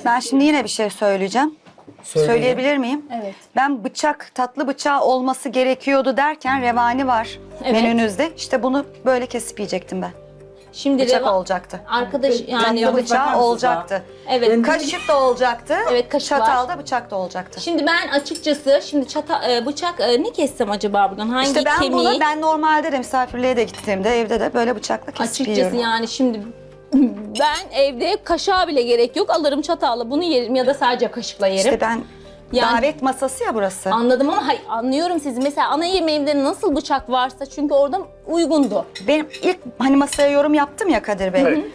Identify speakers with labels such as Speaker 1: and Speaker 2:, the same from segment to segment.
Speaker 1: Ben şimdi yine bir şey söyleyeceğim.
Speaker 2: Söyleyin.
Speaker 1: Söyleyebilir miyim?
Speaker 3: Evet.
Speaker 1: Ben tatlı bıçağı olması gerekiyordu derken revani var
Speaker 3: Evet.
Speaker 1: menünüzde. İşte bunu böyle kesip yiyecektim ben.
Speaker 3: Şimdi
Speaker 1: Bıçak olacaktı.
Speaker 3: Arkadaş yani
Speaker 1: Tatlı bıçağı olacaktı.
Speaker 3: evet.
Speaker 1: Kaşık da olacaktı.
Speaker 3: Evet, kaşık var.
Speaker 1: Çatal da bıçak da olacaktı.
Speaker 3: Şimdi ben açıkçası bıçak ne kessem acaba buradan? Hangi
Speaker 1: İşte ben
Speaker 3: kemiği?
Speaker 1: ben normalde de misafirliğe de gittiğimde evde de böyle bıçakla kesip
Speaker 3: Açıkçası
Speaker 1: yiyorum.
Speaker 3: yani şimdi ben evde kaşığa bile gerek yok. Alırım çatalla bunu yerim ya da sadece kaşıkla yerim.
Speaker 1: İşte ben
Speaker 3: Yani-
Speaker 1: davet masası ya burası.
Speaker 3: Anladım ama hayır, anlıyorum sizi. Mesela ana yemeğimde nasıl bıçak varsa çünkü orada uygundu.
Speaker 1: Benim ilk hani masaya yorum yaptım ya Kadir Bey.
Speaker 2: Evet.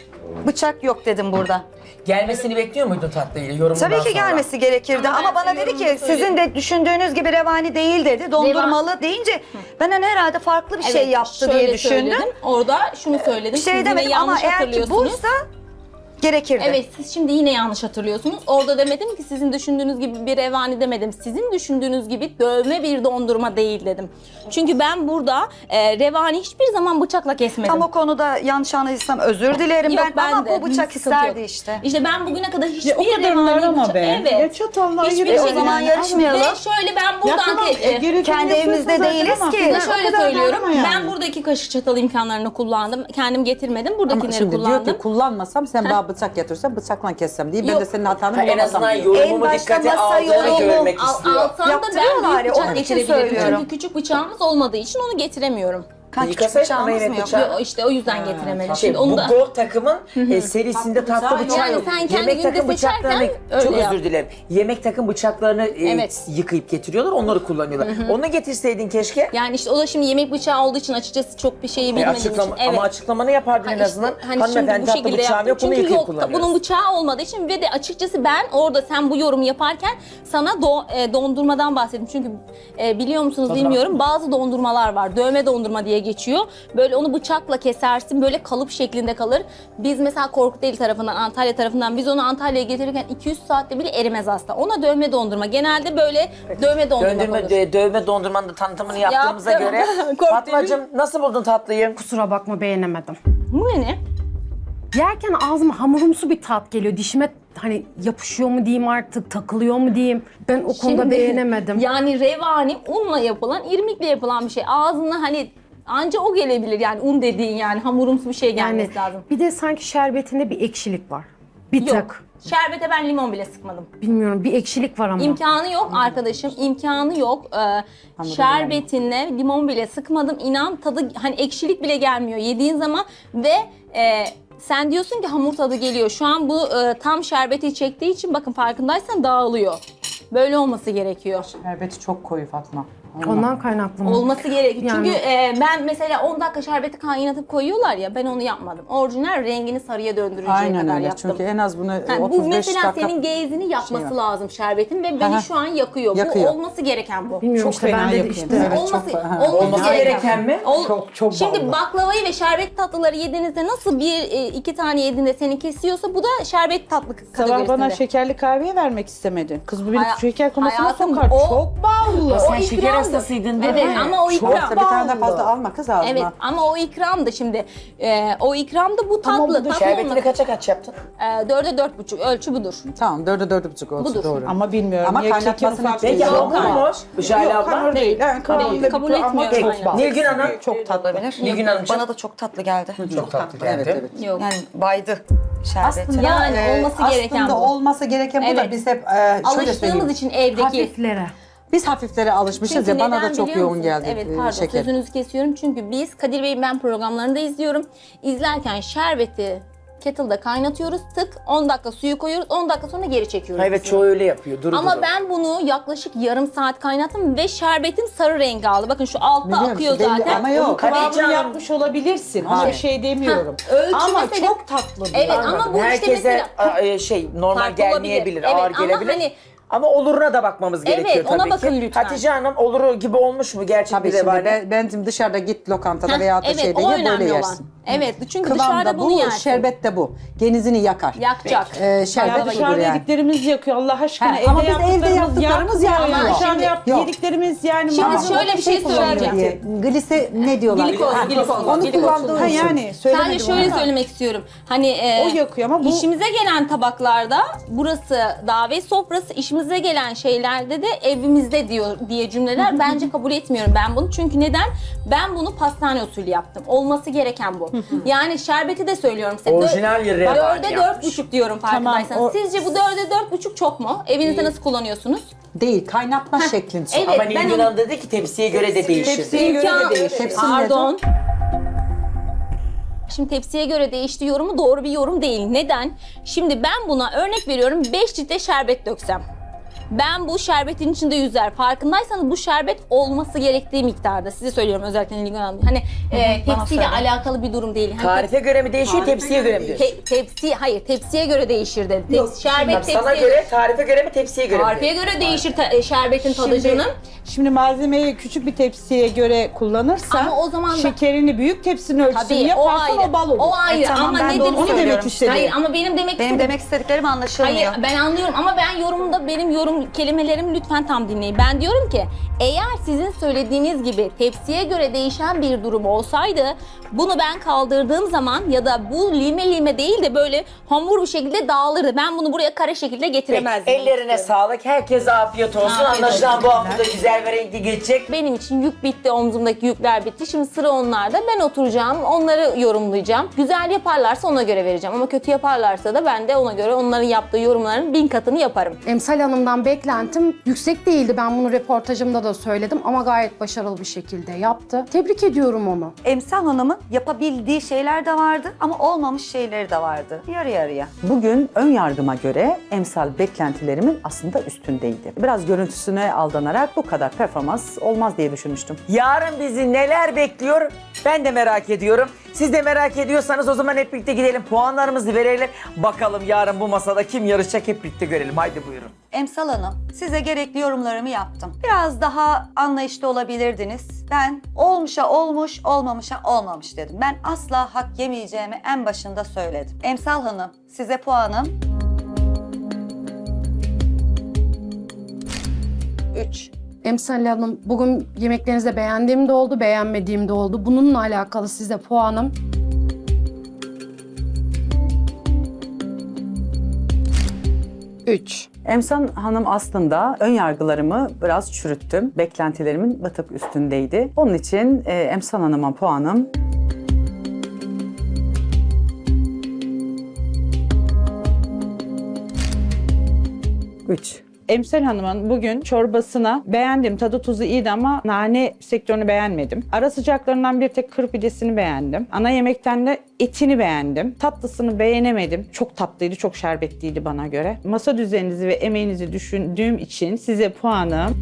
Speaker 1: Bıçak yok dedim burada.
Speaker 2: Gelmesini bekliyor muydun tatlıyla yorumundan
Speaker 1: Tabii ki
Speaker 2: sonra?
Speaker 1: gelmesi gerekirdi
Speaker 3: Ama
Speaker 1: ama,
Speaker 3: ben
Speaker 1: bana
Speaker 3: senin
Speaker 1: dedi ki
Speaker 3: yorumunu
Speaker 1: sizin de düşündüğünüz gibi revani değil dedi. Dondurmalı deyince ben hani herhalde farklı bir şey yaptı diye
Speaker 3: şöyle
Speaker 1: düşündüm.
Speaker 3: söyledim. Orada şunu söyledim.
Speaker 1: Bir
Speaker 3: Siz
Speaker 1: şey
Speaker 3: yine
Speaker 1: demedim ama
Speaker 3: yanlış
Speaker 1: eğer ki
Speaker 3: hatırlıyorsunuz.
Speaker 1: buysa gerekirdi.
Speaker 3: Evet, siz şimdi yine yanlış hatırlıyorsunuz. Orada demedim ki sizin düşündüğünüz gibi bir revani demedim. Sizin düşündüğünüz gibi dövme bir dondurma değil dedim. Çünkü ben burada revani hiçbir zaman bıçakla kesmedim.
Speaker 1: Tam o konuda yanlış anladıysam özür dilerim
Speaker 3: Yok,
Speaker 1: ben ama
Speaker 3: de.
Speaker 1: bu bıçak
Speaker 3: Sıkıntı
Speaker 1: isterdi
Speaker 3: yok.
Speaker 1: işte.
Speaker 3: İşte ben bugüne kadar hiçbir
Speaker 4: Ya o kadarlar
Speaker 3: revani
Speaker 4: ama
Speaker 3: bıçak...
Speaker 4: be.
Speaker 3: Evet.
Speaker 4: Ya çatalla
Speaker 3: Hiçbir
Speaker 4: ayırıyor
Speaker 1: O
Speaker 3: şekilde-
Speaker 1: zaman
Speaker 4: yani.
Speaker 1: yarışmayalım.
Speaker 3: Ve şöyle ben
Speaker 4: Ya
Speaker 3: buradan...
Speaker 4: tamam, gerekeni
Speaker 1: kendi evimizde
Speaker 4: yapıyorsun
Speaker 1: değiliz
Speaker 4: zaten ama
Speaker 1: ki.
Speaker 4: size
Speaker 3: Size
Speaker 4: o
Speaker 3: şöyle
Speaker 4: kadar
Speaker 3: söylüyorum,
Speaker 4: darlama yani.
Speaker 3: ben buradaki kaşık çatal imkanlarını kullandım. Kendim getirmedim,
Speaker 5: Ama
Speaker 3: buradakileri
Speaker 5: şimdi diyor
Speaker 3: kullandım.
Speaker 5: ki kullanmasam sen bana bıçak getirsen bıçakla kessem diye ben
Speaker 3: Yok.
Speaker 5: de senin hatanı
Speaker 2: Ha, en
Speaker 5: bulamazsam
Speaker 2: azından
Speaker 5: diyor.
Speaker 2: yorumumu
Speaker 1: En başta
Speaker 2: dikkate
Speaker 1: masa
Speaker 2: aldığını
Speaker 1: yorumu
Speaker 2: görmek istiyor.
Speaker 3: Alsam da ben
Speaker 1: Yaptırıyorlar
Speaker 3: büyük
Speaker 1: ya,
Speaker 3: bıçak
Speaker 1: onun için
Speaker 3: getirebilirim.
Speaker 1: söylüyorum.
Speaker 3: Çünkü küçük bıçağımız olmadığı için onu getiremiyorum.
Speaker 1: Küçük
Speaker 2: Yıkasaydın
Speaker 1: bıçağımız
Speaker 2: ama yine
Speaker 1: mı yok?
Speaker 2: bıçağı-
Speaker 3: Yo, İşte o yüzden getiremedim.
Speaker 2: Şey,
Speaker 3: Şimdi onu
Speaker 2: bu
Speaker 3: da...
Speaker 2: Gold takımın serisinde tatlı bıçağı
Speaker 3: Yani
Speaker 2: yok.
Speaker 3: sen kendi
Speaker 2: Yemek
Speaker 3: günde
Speaker 2: takım bıçaklarını,
Speaker 3: seçerken
Speaker 2: çok
Speaker 3: öyle yap.
Speaker 2: özür dilerim. Yemek takım bıçaklarını
Speaker 3: Evet.
Speaker 2: yıkayıp getiriyorlar, onları kullanıyorlar. Onu getirseydin keşke.
Speaker 3: Yani işte o da şimdi yemek bıçağı olduğu için açıkçası çok bir şeyi bilmediğim için. Evet.
Speaker 2: Ama açıklamanı yapardın en
Speaker 3: işte
Speaker 2: azından.
Speaker 3: hani
Speaker 2: Hanımefendi
Speaker 3: şimdi bu
Speaker 2: tatlı
Speaker 3: şekilde
Speaker 2: bıçağım
Speaker 3: yaptım.
Speaker 2: yok, bunu
Speaker 3: Çünkü
Speaker 2: yıkayıp
Speaker 3: yok
Speaker 2: kullanıyoruz.
Speaker 3: bunun bıçağı olmadığı için ve de açıkçası ben orada sen bu yorumu yaparken sana dondurmadan bahsettim. Çünkü biliyor musunuz
Speaker 2: Tadına
Speaker 3: bilmiyorum bazı dondurmalar var. Dövme dondurma diye geçiyor. Böyle onu bıçakla kesersin böyle kalıp şeklinde kalır. Biz mesela Korkuteli tarafından, Antalya tarafından biz onu Antalya'ya getirirken 200 saatte bile erimez aslında. Ona dövme dondurma. Genelde böyle dövme dondurma olur.
Speaker 2: Dövme dondurmanın da tanıtımını yaptığımıza
Speaker 3: Yaptım.
Speaker 2: göre.
Speaker 3: Korktum.
Speaker 2: Fatmacığım nasıl buldun tatlıyı?
Speaker 6: Kusura bakma beğenemedim.
Speaker 3: Bu ne?
Speaker 6: Yerken ağzıma hamurumsu bir tat geliyor. Dişime hani yapışıyor mu diyeyim artık, takılıyor mu diyeyim. Ben o konuda
Speaker 3: Şimdi,
Speaker 6: beğenemedim.
Speaker 3: Yani revani unla yapılan, irmikle yapılan bir şey. Ağzına hani anca o gelebilir yani un dediğin yani hamurumsu bir şey
Speaker 6: Yani
Speaker 3: gelmesi lazım.
Speaker 6: bir de sanki şerbetinde bir ekşilik var. Bir
Speaker 3: Yok.
Speaker 6: tık.
Speaker 3: Şerbete ben limon bile sıkmadım.
Speaker 6: Bilmiyorum bir ekşilik var ama.
Speaker 3: İmkanı yok arkadaşım, imkanı yok. Şerbetine limon bile sıkmadım. İnan tadı hani ekşilik bile gelmiyor yediğin zaman ve sen diyorsun ki hamur tadı geliyor. Şu an bu tam şerbeti çektiği için bakın farkındaysan dağılıyor. Böyle olması gerekiyor.
Speaker 5: Şerbeti çok koyu Fatma.
Speaker 6: Ondan kaynaklı mı?
Speaker 3: Olması gerekiyor.
Speaker 6: Yani-
Speaker 3: Çünkü ben mesela 10 dakika şerbeti kaynatıp koyuyorlar ya ben onu yapmadım. Orijinal rengini sarıya döndürünceye
Speaker 5: Aynen
Speaker 3: kadar
Speaker 5: öyle.
Speaker 3: yaptım.
Speaker 5: Çünkü en az bunu
Speaker 3: Yani bu
Speaker 5: 35
Speaker 3: mesela
Speaker 5: dakika...
Speaker 3: senin gezini yapması
Speaker 5: şey var.
Speaker 3: lazım şerbetin ve beni
Speaker 5: Aha.
Speaker 3: şu an yakıyor.
Speaker 5: Yakıyor.
Speaker 3: Bu olması gereken bu.
Speaker 6: Bilmiyorum
Speaker 4: Çok
Speaker 6: işte
Speaker 4: fena
Speaker 6: ben de
Speaker 4: yapıyor.
Speaker 6: işte.
Speaker 5: Evet,
Speaker 3: olması,
Speaker 5: çok- ha,
Speaker 2: olması gereken mi? Çok
Speaker 3: Şimdi
Speaker 2: ballı.
Speaker 3: baklavayı ve şerbet tatlıları yediğinizde nasıl iki tane yediğinde seni kesiyorsa bu da şerbet tatlı
Speaker 4: Sabah
Speaker 3: kategorisinde.
Speaker 4: bana şekerli kahveye vermek istemedin. Kız bu beni
Speaker 3: Haya-
Speaker 4: şeker komasına
Speaker 3: hayatım,
Speaker 4: sokar.
Speaker 3: o-
Speaker 4: Çok ballı.
Speaker 2: Sen
Speaker 3: O
Speaker 2: şeker
Speaker 3: ikramdı.
Speaker 2: hastasıydın değil mi?
Speaker 3: Evet ama o
Speaker 5: Çok
Speaker 3: ikram.
Speaker 5: bir tane de fazla alma kız ağzına.
Speaker 3: Evet ama o ikram da şimdi o ikram da bu tatlı. Tatlı
Speaker 2: Şerbetini
Speaker 3: olması.
Speaker 2: kaça kaç yaptın?
Speaker 3: 4'e 4,5 ölçü budur.
Speaker 5: Tamam 4'e 4,5 olsun
Speaker 3: Budur.
Speaker 5: doğru.
Speaker 4: Ama bilmiyorum.
Speaker 5: Ama
Speaker 4: ya keki
Speaker 5: kaynatmasını
Speaker 4: ufak
Speaker 5: Peki,
Speaker 2: Peki
Speaker 4: değil.
Speaker 5: hamur
Speaker 2: hamur mu? Jale
Speaker 4: Yok
Speaker 2: abla.
Speaker 4: hamur değil. Yani kıvamında
Speaker 3: Kabul
Speaker 4: bir ama
Speaker 3: etmiyorum,
Speaker 4: çok
Speaker 3: aynen.
Speaker 4: bal.
Speaker 2: Nilgün Hanım.
Speaker 1: Çok tatlı olabilir.
Speaker 2: Nilgün Hanımcığım.
Speaker 1: Bana da çok tatlı geldi.
Speaker 2: Çok tatlı geldi.
Speaker 5: Evet evet.
Speaker 3: Yok.
Speaker 1: Yani baydı şerbeti.
Speaker 5: Aslında,
Speaker 3: Yani olması gereken
Speaker 5: aslında
Speaker 3: bu.
Speaker 5: olması gereken bu da
Speaker 3: Evet.
Speaker 5: biz hep şöyle
Speaker 3: Alıştığımız
Speaker 5: söyleyeyim.
Speaker 3: için evdeki.
Speaker 6: Hafiflere.
Speaker 5: Biz hafiflere alışmışız
Speaker 3: Çünkü
Speaker 5: ya bana
Speaker 3: neden
Speaker 5: da çok
Speaker 3: biliyor
Speaker 5: yoğun
Speaker 3: musunuz?
Speaker 5: geldi
Speaker 3: Evet pardon
Speaker 5: şeker.
Speaker 3: sözünüzü kesiyorum. Çünkü biz Kadir Bey'in ben programlarında izliyorum. İzlerken şerbeti kettle'da kaynatıyoruz. Tık 10 dakika suyu koyuyoruz. 10 dakika sonra geri çekiyoruz.
Speaker 2: Evet çoğu öyle yapıyor. Duru
Speaker 3: Ama
Speaker 2: duru.
Speaker 3: ben bunu yaklaşık yarım saat kaynattım ve şerbetim sarı rengi aldı. Bakın şu altta
Speaker 5: Biliyorum,
Speaker 3: akıyor
Speaker 5: belli
Speaker 3: zaten.
Speaker 5: ama yok.
Speaker 2: Hatice
Speaker 4: Kıvamını
Speaker 2: Hanım.
Speaker 4: yapmış olabilirsin. Ona
Speaker 5: Hayır.
Speaker 4: bir şey demiyorum.
Speaker 3: ölçü
Speaker 4: Ama
Speaker 3: mesela-
Speaker 4: çok tatlı.
Speaker 3: Evet
Speaker 4: diyor.
Speaker 3: ama bu işte
Speaker 2: Herkese
Speaker 3: mesela
Speaker 2: normal
Speaker 3: farklı
Speaker 2: gelmeyebilir,
Speaker 3: olabilir.
Speaker 2: ağır
Speaker 3: Evet, ama
Speaker 2: gelebilir.
Speaker 3: hani
Speaker 2: Ama oluruna da bakmamız gerekiyor
Speaker 3: ona
Speaker 2: tabii
Speaker 3: bakın
Speaker 2: ki.
Speaker 3: lütfen.
Speaker 2: Hatice Hanım oluru gibi olmuş mu gerçek
Speaker 5: Tabii
Speaker 2: bir
Speaker 5: şimdi
Speaker 2: revani?
Speaker 5: bence dışarıda git lokantada veya da
Speaker 3: evet,
Speaker 5: şeyde
Speaker 3: o
Speaker 5: ye böyle
Speaker 3: önemli olan.
Speaker 5: yersin.
Speaker 3: Evet, çünkü
Speaker 5: Kıvam
Speaker 3: dışarıda
Speaker 5: da
Speaker 3: bunu
Speaker 5: bu,
Speaker 3: yersin.
Speaker 5: şerbet de bu. Genizini yakar.
Speaker 3: Yakacak.
Speaker 4: Ya
Speaker 5: Şerbet budur
Speaker 4: dışarıda
Speaker 5: yani.
Speaker 4: yediklerimiz yakıyor Allah aşkına.
Speaker 5: He, ama biz evde yaptıklarımız yakmıyor.
Speaker 4: Ama dışarıda
Speaker 5: Yok.
Speaker 4: yediklerimiz yani.
Speaker 3: Şimdi
Speaker 4: maalesef-
Speaker 3: şöyle bir şey söyleyeceğim.
Speaker 5: Diye. Glise ne diyorlar?
Speaker 3: Glikoz,
Speaker 5: Ha,
Speaker 3: glikoz,
Speaker 5: Onu
Speaker 3: glikoz.
Speaker 5: kullandığı
Speaker 4: Ha
Speaker 5: için.
Speaker 4: yani söylemedim
Speaker 3: Sadece şöyle
Speaker 4: ama.
Speaker 3: söylemek istiyorum. Hani
Speaker 4: O yakıyor ama bu-
Speaker 3: işimize gelen tabaklarda burası davet sofrası, işimize gelen şeylerde de evimizde diye cümleler bence kabul etmiyorum ben bunu. Çünkü neden? Ben bunu pastane usulü yaptım. Olması gereken bu. Yani şerbeti de söylüyorum size.
Speaker 2: Orijinal bir revani
Speaker 3: 4'e
Speaker 2: yapmış.
Speaker 3: 4,5 diyorum farkındaysanız.
Speaker 4: Tamam, o-
Speaker 3: Sizce bu 4'e 4,5 çok mu? Evinizde nasıl kullanıyorsunuz?
Speaker 5: Değil, kaynatma şeklin.
Speaker 3: Evet,
Speaker 2: Ama
Speaker 3: ben
Speaker 2: Nilgün
Speaker 3: onu-
Speaker 2: Hanım dedi ki tepsiye göre de değişir.
Speaker 4: Tepsiye göre
Speaker 3: İmkan-
Speaker 4: de değişir.
Speaker 5: Tepsi
Speaker 3: Pardon. Şimdi tepsiye göre değişti yorumu doğru bir yorum değil. Neden? Şimdi ben buna örnek veriyorum 5 litre şerbet döksem. Ben bu şerbetin içinde yüzer. Farkındaysanız bu şerbet olması gerektiği miktarda. Size söylüyorum özellikle Nilgün Hanım. Hani tepsiyle
Speaker 1: söyle.
Speaker 3: alakalı bir durum değil. Hani
Speaker 2: Tarife göre mi değişiyor, tepsiye göre mi diyorsun?
Speaker 3: tepsiye göre değişir dedi. Şerbet
Speaker 2: Sana
Speaker 3: tepsiye
Speaker 2: göre, tarife göre mi, tepsiye göre mi?
Speaker 3: Tarife göre değişir şerbetin tadı
Speaker 4: Şimdi,
Speaker 3: canım.
Speaker 4: şimdi malzemeyi küçük bir tepsiye göre kullanırsan
Speaker 3: Ama o zaman da-
Speaker 4: şekerini büyük tepsinin ölçüsünü
Speaker 3: Tabii o
Speaker 4: yaparsan
Speaker 3: ayrı.
Speaker 4: o bal olur.
Speaker 3: O ayrı
Speaker 1: tamam,
Speaker 3: ama
Speaker 1: ben de
Speaker 3: nedir?
Speaker 1: onu
Speaker 4: demek
Speaker 1: söylüyorum.
Speaker 4: istedim.
Speaker 3: Hayır ama benim demek
Speaker 1: Benim
Speaker 3: istediğim...
Speaker 1: demek istediklerim anlaşılmıyor.
Speaker 3: Hayır ben anlıyorum ama ben yorumda benim yorum kelimelerimi lütfen tam dinleyin. Ben diyorum ki eğer sizin söylediğiniz gibi tepsiye göre değişen bir durum olsaydı bunu ben kaldırdığım zaman ya da bu lime lime değil de böyle hamur bir şekilde dağılırdı. Ben bunu buraya kare şekilde
Speaker 2: Peki,
Speaker 3: getiremezdim.
Speaker 2: ellerine sağlık. Herkese afiyet olsun.
Speaker 3: Afiyet
Speaker 2: Anlaşılan
Speaker 3: olsun.
Speaker 2: bu hafta da güzel ve renkli geçecek.
Speaker 3: Benim için yük bitti, omzumdaki yükler bitti. Şimdi sıra onlarda. Ben oturacağım, onları yorumlayacağım. Güzel yaparlarsa ona göre vereceğim. Ama kötü yaparlarsa da ben de ona göre onların yaptığı yorumların 1000 katını yaparım.
Speaker 6: Emsal Hanım'dan beklentim yüksek değildi. Ben bunu röportajımda da söyledim ama gayet başarılı bir şekilde yaptı. Tebrik ediyorum onu.
Speaker 1: Emsal Hanım'ın yapabildiği şeyler de vardı ama olmamış şeyleri de vardı. Yarı yarıya.
Speaker 5: Bugün ön yargıma göre emsal beklentilerimin aslında üstündeydi. Biraz görüntüsüne aldanarak bu kadar performans olmaz diye düşünmüştüm.
Speaker 2: Yarın bizi neler bekliyor ben de merak ediyorum. Siz de merak ediyorsanız o zaman hep birlikte gidelim puanlarımızı verelim. Bakalım yarın bu masada kim yarışacak hep birlikte görelim. Haydi buyurun.
Speaker 1: Emsal Hanım, size gerekli yorumlarımı yaptım. Biraz daha anlayışlı olabilirdiniz. Ben olmuşa olmuş, olmamışa olmamış dedim. Ben asla hak yemeyeceğimi en başında söyledim. Emsal Hanım, size puanım 3.
Speaker 6: Emsal Hanım bugün yemeklerinizde beğendiğim de oldu, beğenmediğim de oldu. Bununla alakalı size puanım 3.
Speaker 5: Emsal Hanım aslında ön yargılarımı biraz çürüttüm. Beklentilerimin bir tık üstündeydi. Onun için Emsal Hanım'a puanım 3.
Speaker 4: Emsal Hanım'ın bugün çorbasına beğendim. Tadı tuzu iyiydi ama nane sektörünü beğenmedim. Ara sıcaklarından bir tek kır pidesini beğendim. Ana yemekten de etini beğendim. Tatlısını beğenemedim. Çok tatlıydı, çok şerbetliydi bana göre. Masa düzeninizi ve emeğinizi düşündüğüm için size puanım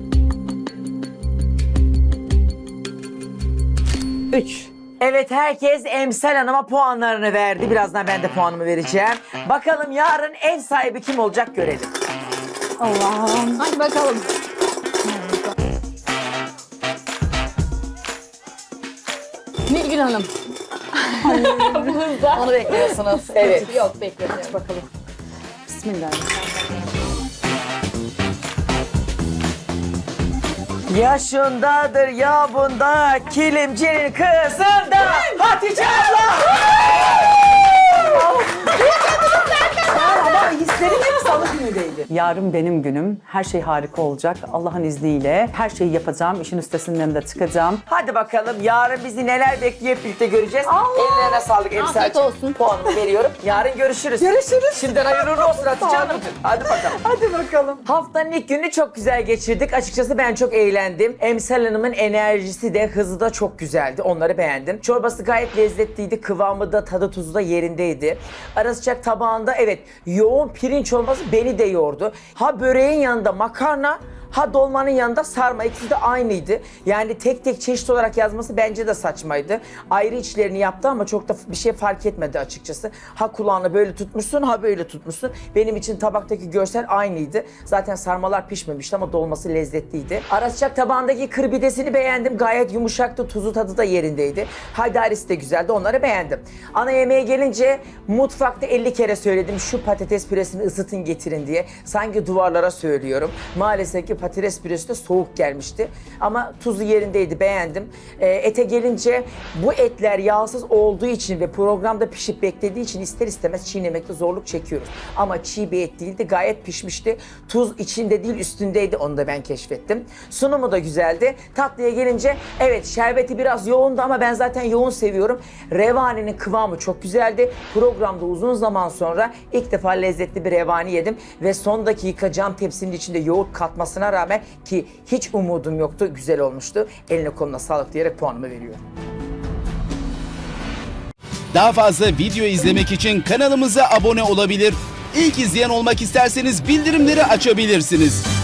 Speaker 4: 3.
Speaker 2: Evet herkes Emsal Hanım'a puanlarını verdi. Birazdan ben de puanımı vereceğim. Bakalım yarın ev sahibi kim olacak görelim.
Speaker 3: Hadi bakalım. Nilgün Hanım.
Speaker 1: Onu bekliyorsunuz.
Speaker 2: Evet.
Speaker 3: Yok beklemiyorum.
Speaker 5: Bismillahirrahmanirrahim.
Speaker 2: Yaşındadır ya bunda kilimcinin kızında Hatice abla.
Speaker 5: Ama hislerim hep salı günüdeydi. Yarın benim günüm. Her şey harika olacak. Allah'ın izniyle her şeyi yapacağım. İşin üstesinden de çıkacağım.
Speaker 2: Hadi bakalım yarın bizi neler bekliyor hep birlikte göreceğiz. Ellerine sağlık Emsal.
Speaker 3: Afiyet olsun.
Speaker 2: Puanımı veriyorum. Yarın görüşürüz.
Speaker 5: Görüşürüz.
Speaker 2: Şimdiden hayırlı olsun Hatice Hanımcığım. Hadi bakalım.
Speaker 5: Hadi bakalım.
Speaker 2: Haftanın ilk gününü çok güzel geçirdik. Açıkçası ben çok eğlendim. Emsal Hanım'ın enerjisi de hızı da çok güzeldi. Onları beğendim. Çorbası gayet lezzetliydi. Kıvamı da tadı tuzu da yerindeydi. Ara sıcak tabağında evet yoğun pirinç olması beni de yordu. Ha böreğin yanında makarna Ha dolmanın yanında sarma, ikisi de aynıydı. Yani tek tek çeşit olarak yazması bence de saçmaydı. Ayrı içlerini yaptı ama çok da bir şey fark etmedi açıkçası. Ha kulağını böyle tutmuşsun, ha böyle tutmuşsun. Benim için tabaktaki görsel aynıydı. Zaten sarmalar pişmemişti ama dolması lezzetliydi. Ara sıcak tabağındaki kırbidesini beğendim. Gayet yumuşaktı, tuzu tadı da yerindeydi. Haydarisi de güzeldi, onları beğendim. Ana yemeğe gelince mutfakta 50 kere söyledim şu patates püresini ısıtın getirin diye. Sanki duvarlara söylüyorum. Maalesef ki patates püresi de soğuk gelmişti. Ama tuzu yerindeydi, beğendim. Ete gelince bu etler yağsız olduğu için ve programda pişip beklediği için ister istemez çiğnemekte zorluk çekiyoruz. Ama çiğ bir et değildi, gayet pişmişti. Tuz içinde değil üstündeydi, onu da ben keşfettim. Sunumu da güzeldi. Tatlıya gelince evet şerbeti biraz yoğundu ama ben zaten yoğun seviyorum. Revaninin kıvamı çok güzeldi. Programda uzun zaman sonra ilk defa lezzetli bir revani yedim ve son dakika cam tepsinin içinde yoğurt katmasına rağmen ki hiç umudum yoktu, güzel olmuştu. Eline koluna sağlık diyerek puanımı veriyorum.
Speaker 7: Daha fazla video izlemek için kanalımıza abone olabilir. İlk izleyen olmak isterseniz bildirimleri açabilirsiniz.